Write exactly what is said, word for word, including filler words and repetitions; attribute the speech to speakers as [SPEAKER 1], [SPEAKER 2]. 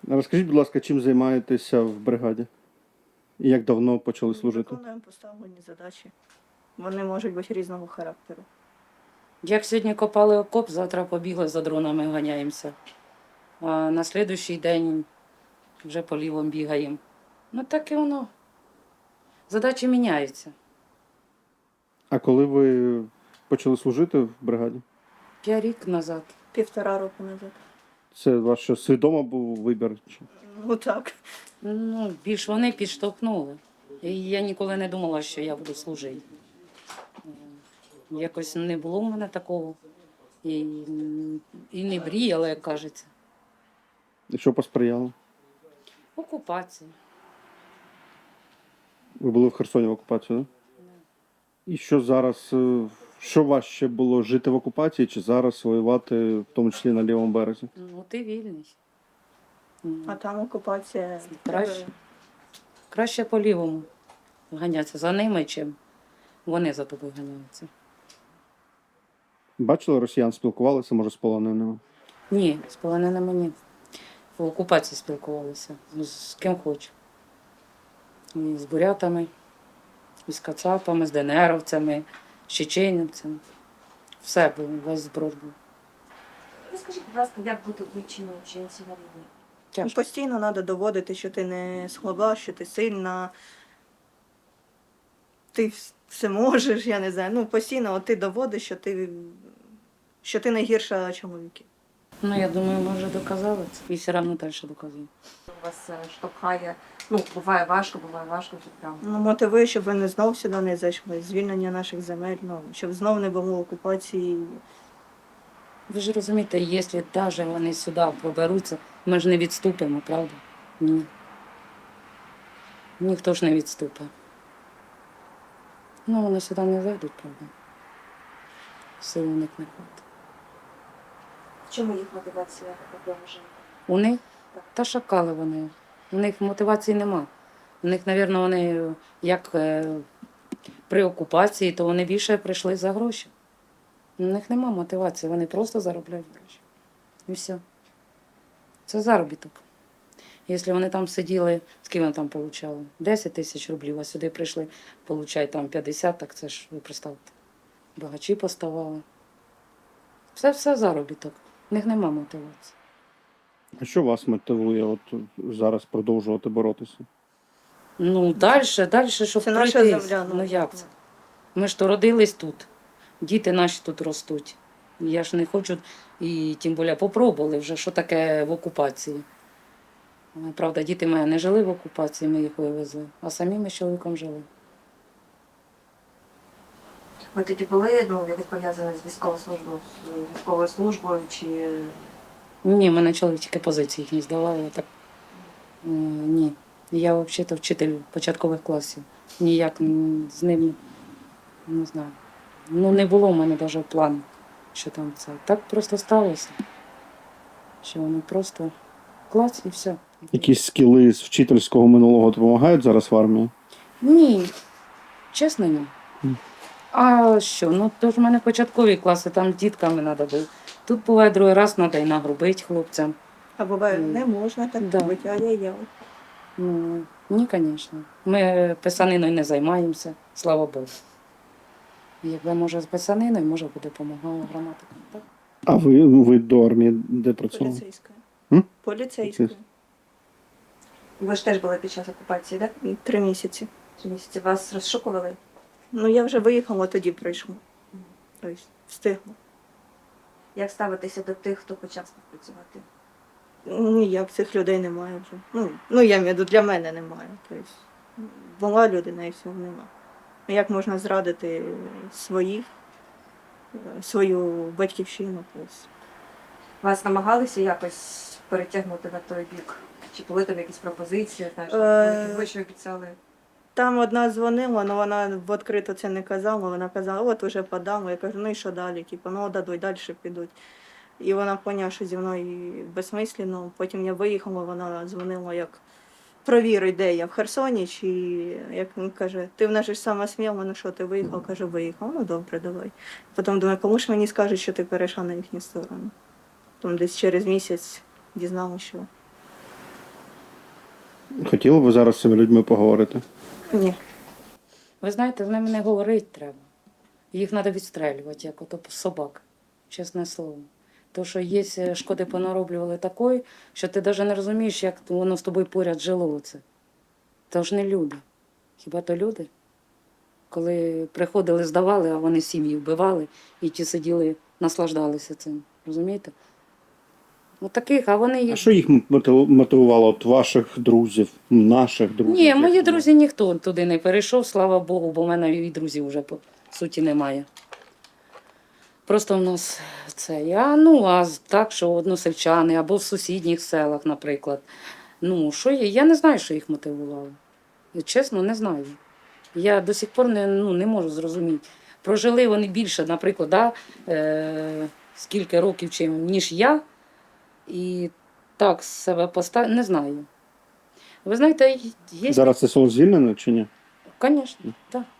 [SPEAKER 1] Розкажіть, будь ласка, чим займаєтеся в бригаді? І як давно почали служити?
[SPEAKER 2] Виконуємо поставлені задачі. Вони можуть бути різного характеру.
[SPEAKER 3] Як сьогодні копали окоп, завтра побігли за дронами, ганяємося. А на слідуючий день вже по лівому бігаємо. Ну так і воно. Задачі міняються.
[SPEAKER 1] А коли ви почали служити в бригаді?
[SPEAKER 3] П'ять рік назад.
[SPEAKER 2] Півтора року назад.
[SPEAKER 1] Це ваш що, свідомо був вибір? Чи-
[SPEAKER 2] Ну так.
[SPEAKER 3] Ну, більш вони підштовхнули. І я ніколи не думала, що я буду служити. Якось не було в мене такого. І, і не мріяла, як кажеться.
[SPEAKER 1] І що посприяло?
[SPEAKER 3] Окупація.
[SPEAKER 1] Ви були в Херсоні в окупації, так? І що зараз, е, що важче було жити в окупації чи зараз воювати, в тому числі на лівому березі?
[SPEAKER 3] Ну, ти вільний.
[SPEAKER 2] А там окупація.
[SPEAKER 3] Краще. Краще по лівому ганяться за ними, чим вони за тобою ганяються.
[SPEAKER 1] Бачили росіян, спілкувалися, може, з полоненими?
[SPEAKER 3] Ні, з полоненими ні. В окупації спілкувалися з ким хочу. І з бурятами, і з кацапами, з ДНРовцями, з чеченівцями. Все було, весь зброд був.
[SPEAKER 4] Розкажіть, будь ласка, як бути вивченою жінці на війні?
[SPEAKER 3] Тяжко.
[SPEAKER 2] Постійно треба доводити, що ти не слаба, що ти сильна. Ти вс- все можеш, я не знаю. Ну, постійно от ти доводиш, що ти, що ти не гірша чоловіків.
[SPEAKER 3] Ну, я думаю, ми вже доказали це. І все одно далі доказуємо.
[SPEAKER 4] Вас е, штовхає, ну, буває важко, буває важко, що прям.
[SPEAKER 2] Ну, мотивує, щоб вони знов сюди не зайшли. Звільнення наших земель, ну, щоб знов не було окупації.
[SPEAKER 3] Ви ж розумієте, якщо навіть вони сюди поберуться, ми ж не відступимо, правда? Ні. Ніхто ж не відступить. Ну, вони сюди не зайдуть, правда. Сил у них не хватить.
[SPEAKER 4] В чому їх мотивація такого життя?
[SPEAKER 3] У них? Та шакали вони. У них мотивації нема. У них, мабуть, вони, як е, при окупації, то вони більше прийшли за гроші. У них нема мотивації, вони просто заробляють гроші. І все. Це заробіток. Якщо вони там сиділи, скільки вони там отримали? десять тисяч рублів, а сюди прийшли, получають там п'ятдесят, так це ж, ви представте, багачі поставали. Це все заробіток. У них нема мотивації.
[SPEAKER 1] А що вас мотивує от зараз продовжувати боротися?
[SPEAKER 3] Ну, далі, далі, щоб
[SPEAKER 2] Це наша
[SPEAKER 3] пройти.
[SPEAKER 2] земля.
[SPEAKER 3] Ну як це? Ми ж то родились тут. Діти наші тут ростуть. Я ж не хочу, і тим більше попробували вже, що таке в окупації. Правда, діти мої не жили в окупації, ми їх вивезли, а самі ми з чоловіком жили.
[SPEAKER 4] Ви тоді були, ну, якось пов'язані з військовою службою, з військовою службою, чи
[SPEAKER 3] Ні, мене чоловік тільки позиції їх не здавали. Так, е, ні. Я взагалі вчитель початкових класів. Ніяк м, з ним не знаю. Ну, не було в мене навіть плану, що там це. Так просто сталося. Що вони просто клас і все.
[SPEAKER 1] Якісь скіли з вчительського минулого допомагають зараз в армії?
[SPEAKER 3] Ні, чесно, ні.
[SPEAKER 1] Ні.
[SPEAKER 3] А що? Ну то ж в мене початкові класи, там з дітками треба було. Тут буває другий раз треба і нагрубити хлопцям.
[SPEAKER 2] А буває,
[SPEAKER 3] Ні.
[SPEAKER 2] не можна так
[SPEAKER 3] Да.
[SPEAKER 2] робити, а я я.
[SPEAKER 3] Ну, ні, звісно. Ми писаниною не займаємося, слава Богу. Якби може з писаниною, може би допомагала граматика. Так?
[SPEAKER 1] А ви, ви до армії де працювали?
[SPEAKER 2] Поліцейська.
[SPEAKER 1] М?
[SPEAKER 2] Поліцейська.
[SPEAKER 4] ви ж теж були під час окупації, так?
[SPEAKER 2] Три місяці.
[SPEAKER 4] Чи місяці вас розшукували?
[SPEAKER 2] Ну, я вже виїхала, тоді прийшла. Тобто, встигла.
[SPEAKER 4] Як ставитися до тих, хто почав співпрацювати?
[SPEAKER 2] Ніяк цих людей немає вже. Ну, ну я маю в виду, для мене немає. Тобто, була людина і всього нема. Ну, як можна зрадити своїх, е, свою батьківщину? Тобто.
[SPEAKER 4] Вас намагалися якось перетягнути на той бік? Чи були там якісь пропозиції? Знаєш,
[SPEAKER 2] Е,
[SPEAKER 4] ви що обіцяли?
[SPEAKER 2] Там одна дзвонила, але вона відкрито це не казала. Вона казала, от уже подам. Я кажу, ну і що далі? Типу, ну дадуть, далі підуть. І вона поняла, що зі мною безсмислено. Потім я виїхала, вона дзвонила, як провіруй, де я в Херсоні, чи як він каже, ти в нас же ж сама сміла, ну що ти виїхав? Каже, виїхав, ну добре, давай. Потім думаю, кому ж мені скажуть, що ти перейшла на їхню сторону. Потім десь через місяць дізналася, що
[SPEAKER 1] Хотіли б ви зараз з цими людьми поговорити?
[SPEAKER 2] Ні.
[SPEAKER 3] Ви знаєте, з ними не говорити треба. Їх треба відстрелювати, як ото собак, чесне слово. Тому що є е, шкоди понароблювали такої, що ти навіть не розумієш, як воно з тобою поряд жило оце. То ж не люди. Хіба то люди? Коли приходили, здавали, а вони сім'ї вбивали, і ті сиділи, наслаждалися цим. Розумієте? От таких, а вони
[SPEAKER 1] А
[SPEAKER 3] їх.
[SPEAKER 1] що їх мотив- мотивувало от ваших друзів, наших друзів?
[SPEAKER 3] Ні,
[SPEAKER 1] як
[SPEAKER 3] мої
[SPEAKER 1] ви?
[SPEAKER 3] друзі ніхто туди не перейшов, слава Богу, бо в мене і друзів вже по суті немає. Просто в нас це. А, ну, а так, що односельчани або в сусідніх селах, наприклад. Ну, що є? Я не знаю, що їх мотивувало. Чесно, не знаю. Я до сих пор не, ну, не можу зрозуміти. Прожили вони більше, наприклад, да, е, скільки років, чим, ніж я. І так себе поставили, не знаю. Ви знаєте, є.
[SPEAKER 1] Зараз це село звільнено чи ні?
[SPEAKER 3] Звісно, так.